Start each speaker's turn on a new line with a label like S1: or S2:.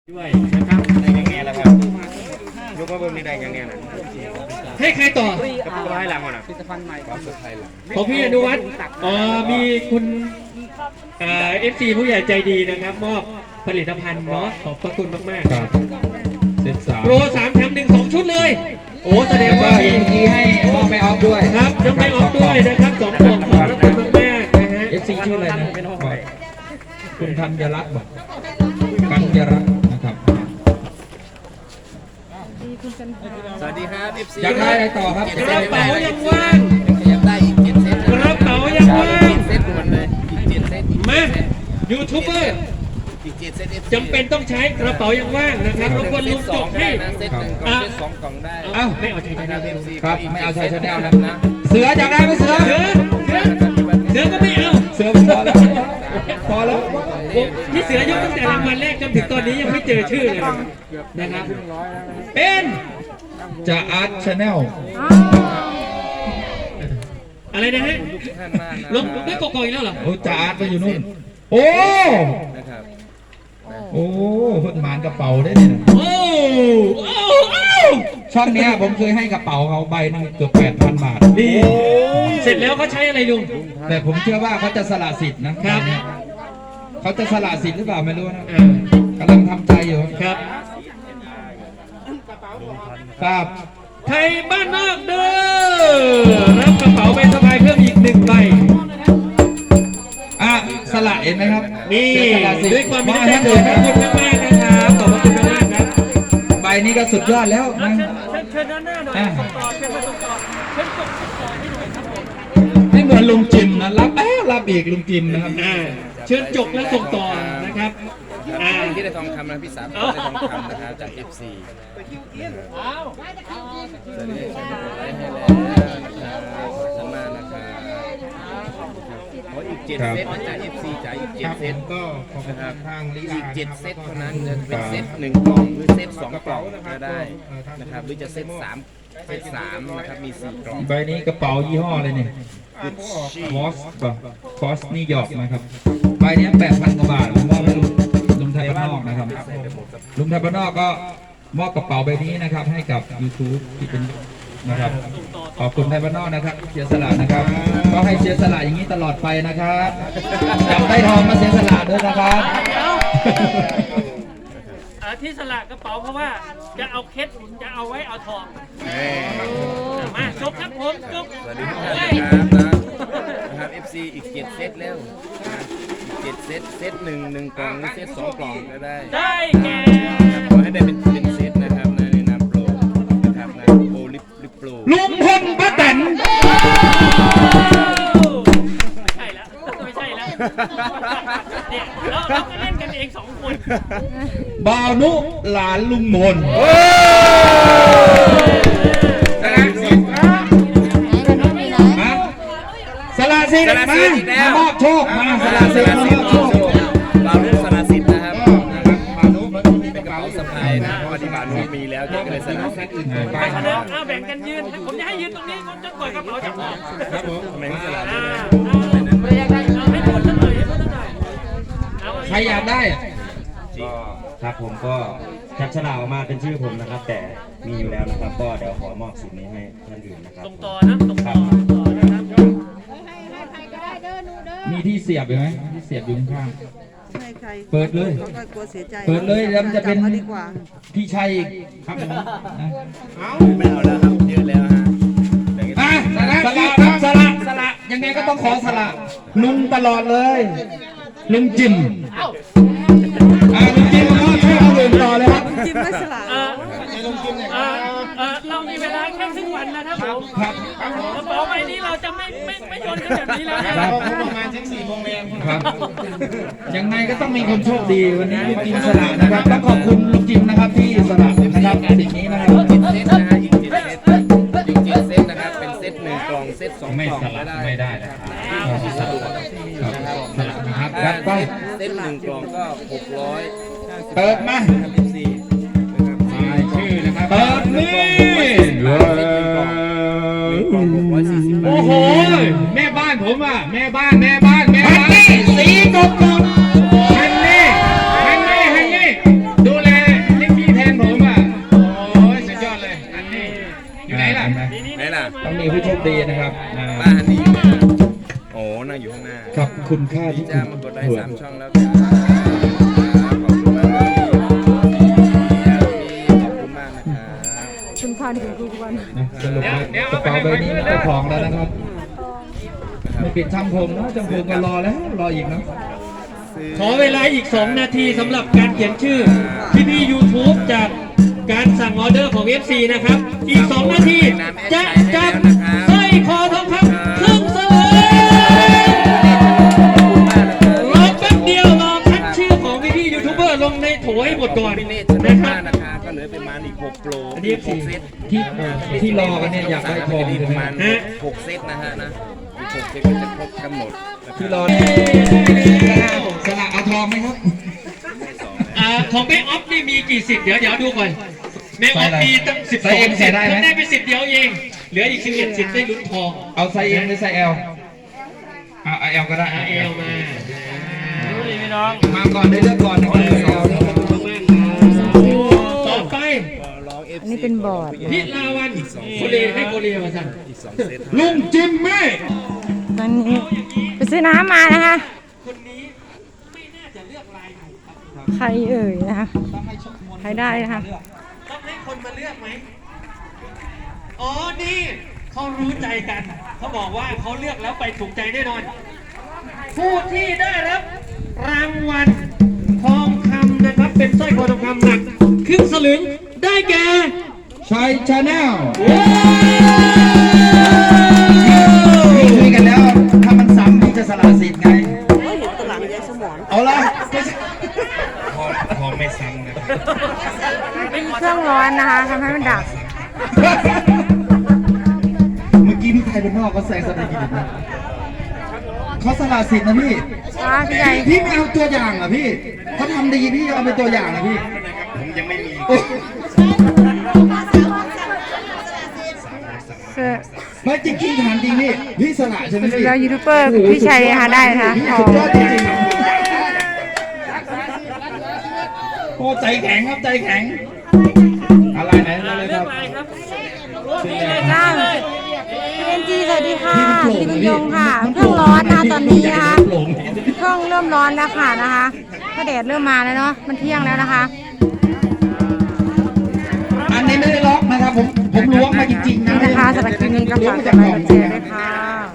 S1: ด้วยนะครับในอย่างเงี้ยแหละครับยกมาเบิ้งในใดอย่างเงี้ยนะให้ใครต่อกับตัวให้หลังก่อนนะของพี่อนุวัฒน์มีคุณFC ผู้ใหญ่ใจดีนะครับมอบผลิตภัณฑ์เนาะขอบพระคุณมากๆครับ
S2: เซต3
S1: โปร3 แถม 1 2 ชุดเลยโอ้แสดงว่า
S2: มีให้มอบไปออฟด้วย
S1: ครับยังไม่ออฟด้วยนะครับ2 กล่องขอบพระคุณมากๆนะฮะ
S2: FC ชื่ออะไรนะคุณธัญรัตน์บอกกัญญรัตน์นะครับ
S3: สวัสดีครับ FC
S2: อยากได้อะไรต่อครับ
S1: กระเป๋ายังว่าง
S3: อยากได้อีก7เซต
S1: กระเป๋ายังว่าง
S3: เซตด่วนเลยอีก7เซต
S1: มายูทูบเบอร์
S3: อีก7เซต
S1: จำเป็นต้องใช้กระเป๋ายังว่างนะครับรบกวนลุงจบให้
S3: เซต1กล่องเซต2กล่องได้
S1: เอ้าไม่เอาใช้ชาแนล
S2: ครับไม่เอาใช้ชาแนลนะเสืออยากได้ไหมเสือ
S1: ก็ไม่เอา
S2: เสือพอแล้วพอแล้ว
S1: ที่เสือยกตั้งแต่รางวัลแรกจนถึงตอนนี้ยังไม่เจอชื่อเลยนะครับเป็น
S2: จะอาร์ตชาแนล
S1: อะไรนะฮะลงไม่กอกอีกแล้วเหรอ
S2: โอ้จะอาร์ตไปอยู่นู่นโอ้โอ้เพิ่งหมานกระเป๋าได้เนี่ย
S1: โอ้
S2: ช่องเนี้ยผมเคยให้กระเป๋าเขาใบนึงเกือบ 8,000 บาท
S1: ดีเสร็จแล้วเขาใช้อะไรลุง
S2: แต่ผมเชื่อว่าเขาจะสละสิทธิ์นะครับเขาจะสละสิทธิ์หรือเปล่าไม่รู้นะกำลังทำใจอยู่
S1: ครับ
S2: ครับ
S1: ไทยบ้านนอกเด้อรับกระเป๋าใบสบายเพิ่มอีก1 ใบ
S2: สละเห็นไหมครับ
S1: นี่ด้วยความมีน้ำใจขอบคุณมากๆนะครับขอบคุณมากครับ
S2: ใบนี้ก็สุดยอดแล้วนะ
S1: เชิญด้านหน้าหน่อยต่อเชิญมาส่งต่อเชิญส่งต่อให้หน่อยครับผม
S2: ไม่เหมือนลุงจิมนะรับอีกลุงจิมนะครับ
S1: เชิญจกและส่งต่อนะครับ
S3: ที่ได้ทองคำนะพี่สาวได้ทองคำนะครับจาก FC สวัสดีได้ให้แล้วนะครับขอบคุณมากนะครับอีก7เซตนะจ๊ะ FC จ่ายอีก7เซต
S2: ก็ขอบคุณทางลี
S3: อีก7เซตเท่านั้นจะเป็นเซต1 กล่องหรือเซต2 กล่องก็ได้นะครับหรือจะเซต3นะครับมี4 กล่อง
S2: ใบนี้กระเป๋ายี่ห้ออะไรเนี่ยคอสนิวยอร์กนะครับใบนี้ 8,000 กว่าบาทผมมอบให้ลุงไทยบ้านนอกนะครับลุงไทยบ้านนอกก็มอบกระเป๋าใบนี้นะครับให้กับ YouTube ที่เป็นนะครับขอบคุณไทยบ้านนอกนะครับเสียสละนะครับก็ให้เสียสละอย่างนี้ตลอดไปนะครับจับได้ทองมาเสียสละด้วยนะครับ
S1: ที่สละกระเป๋าเพราะว่าจะเอาเคสจะเอาไว้เอาทองมาจบครับผมจบ
S3: สวัสดีทุกท่านนะครับ FC อีก7เซตแล้ว7เซต1 กล่องหรือเซต2 กล่องก็ได้
S1: แก่
S3: ขอให้ได้เป็นเซตนะครับในน้ำโปรนะครับนะโปรลิปโปร
S2: ลุงพลป้าแตน
S1: ไม่ใช่แล้วเนี่ยเราก็เล่นกันเอง2 คน
S2: บ่าวนุหลานลุงมนสละสิทธิ์มามอบโชคมาสละสิทธิ์มามอบโชค
S3: บ่าวนุสละสิทธิ์นะครับบ่าวนุเป็นกระเป๋าสะพายนะปฏิบัติมีแล้วจะเลยสละสิทธิ์อื่น
S1: ไปแบ่งกันยืนผมจะให้ยืนตรงนี้ผมจะปล่อยกระเป๋าจากผม
S2: ครับผม
S3: ไม่สละ
S2: ใครอยากได้
S4: ก็ครับผมก็จับฉลากออกมาเป็นชื่อผมนะครับแต่มีอยู่แล้วนะครับก็เดี๋ยวขอมอบสิ่งนี้ให้ท่านอื่นนะครับ
S1: ส่งต่อนะครับ
S2: มีที่เสียบอยู่ไหมที่เสียบอยู่ข้างเปิดเลยเปิดเลยแล้วจะเป็นพี่ชัยอีกครับ
S3: ไม่เอาแล้วครับเยอะแล้วฮะ
S2: สละครับสละยังไงก็ต้องขอสละลุงตลอดเลยลุงจิมลุงจิมก็ช่วยเอาเดินต่อเลยครับ
S5: จิมไม่สละ
S1: เรามีเวลาแค่ครึ่งวันนะครับผมกระเป๋าใบนี้เราจะไม่โยนกันแบบนี้แล้วนะครับ
S3: ประมาณถึง4 โมงเย็น
S2: ครับยังไงก็ต้องมีคนโชคดีวันนี้ลุงจิมสละนะครับต้องขอบคุณลุงจิมนะครับที่สละนะครับสิ่งนี้นะครับ
S3: 7เซตนะฮะอีก7เซตนะครับเป็นเซต1 กล่องเซต2 กล่อง
S2: ไม่ได้นะครับสละนะครับรับไป
S3: เซต1 กล่องก็600
S2: เปิดมาชื่อนะครับเปิดนี่โอ้โหแม่บ้านผมอ่ะแม่บ้านสีกบฮันนี่ดูแลนะครับ
S3: ป้าฮันนี่อยู่ไหนนะโอ้นั่งอยู่ข้างหน้า
S2: กับคุณค่า
S3: พี่
S2: ที่คุ
S3: จ้า
S2: ณ
S3: มากดไลค์
S2: เผื่อ
S3: 3 ช่องแล้วครับขอบคุณมากครับพี่ขอบคุณมากนะครับ
S5: คุณพาถึงทุกวัน
S2: นะสรุปว่ากระเป๋าใบนี้เจ้าของแล้วนะครับ ไม่ปิดช่างผมนะช่างผมก็รอแล้วรออีกนะ
S1: ขอเวลาอีก 2 นาทีสำหรับการเขียนชื่อพี่ๆ YouTube จากการสั่งออเดอร์ของ FC นะครับ อีก 2 นาทีจะจับสร้อยคอทองคำครึ่งสลึงรอแป๊บเดียวรอคัดชื่อของพี่ๆยูทูบเบอร์ลงในโถให้หมดก่อน
S3: พี่เนตร
S1: นะครั
S3: มา
S1: บ
S3: กนะคะก็เหลือประมาณอีก6โปร
S1: อันนี้ FC
S3: เซต
S2: ที่รอกันเนี่ยอยากได้ทอง
S3: จะมี
S2: ใช่
S3: ป
S2: ไหม
S3: ระมาณ
S1: ฮะ
S3: 6 เซตนะฮะนะอีก6 เซตก็จะครบกำหนดนะครับ
S2: ที่รอสละเอาทองไหมครับ
S1: ของแม่ออฟนี่มีกี่สิทธิ์เดี๋ยวดูก่อนแม่ออฟมีตั้ง12
S2: ใส่ M ใส่ได้ไหม
S1: ท่านได้ไปสิทธิ์เดียวเองเหลืออีก11 สิทธิ์ได้ลุ้นทอง
S2: เอาไซส์ M หรือไซส์ L เอา L ก็ได้
S1: เอลมา
S2: มาก่อนได้เลือกก่อนนะครับ L นะครับ
S1: ต่อไป
S3: ร้อง FC
S5: อันนี้เป็นบอร์ด
S1: พิลาวันโคเรให้โคเรมาสั่น
S3: อีก2 เซต
S2: ลุงจิมมี่
S5: ตอนนี้ไปซื้อน้ำมานะคะ
S1: คนนี้ไม่น่าจะเลือกลายถูกครับ
S5: ใครเอ่ยนะคะใครได้นะคะ
S1: ต้องให้คนมาเลือกไหมอ๋อนี่เขารู้ใจกันเขาบอกว่าเขาเลือกแล้วไปถูกใจแน่นอน ผู้ที่ได้รับรางวัลทองคำนะครับเป็นสร้อยคอทองคำหนักครึ่งสลึงได้แก่
S2: ชัยชาแนล
S1: ว้าว
S2: คุยกันแล้ว ถ้ามันซ้ำพี่จะสละสิทธิ์ไงเอาละ
S3: พอไม่ซ้ำนะ
S5: เป็นเครื่องร้อนนะคะทำให้มันดับ
S2: เมื่อกี้พี่ไทยเป็นนอกก็แซงสนามกินนะเขาสละสิทธิ์นะพี่
S5: พี่ใหญ่
S2: พี่ไม่เอาตัวอย่างเหรอพี่เขาทำดีพี่เอาเป็นตัวอย่างเหรอพี่
S3: ผมยังไม่มี
S5: เสื้อ
S2: ไม่จริงๆถามจริงพี่พี่สละใช่ไหมพี่
S5: แล้วยูทูบเบอร์พี่ชัยนะคะได้นะคะ
S2: พี่
S5: ทอ
S2: สุ
S5: ง
S2: ดยอดจริงๆโอ้ใจแข็งครับใจแข็งอะไรไหนเลยครับ
S5: จ้าพี่เอ็นจีสวัสดีค่ะพี่นิยงค่ะเครื่องร้อนนะคะตอนนี้นะคะเครื่องเริ่มร้อนแล้วค่ะนะคะก็แดดเริ่มมาแล้วเนาะมันเที่ยงแล้วนะคะ
S2: อันนี้ไม่ได้ล็อกนะครับผมล้วงมาจริงๆนะ
S5: นี่นะคะสำหรับคลิปนี้ก็ฝากกดไลค์กดแชร์ด้วยค่ะ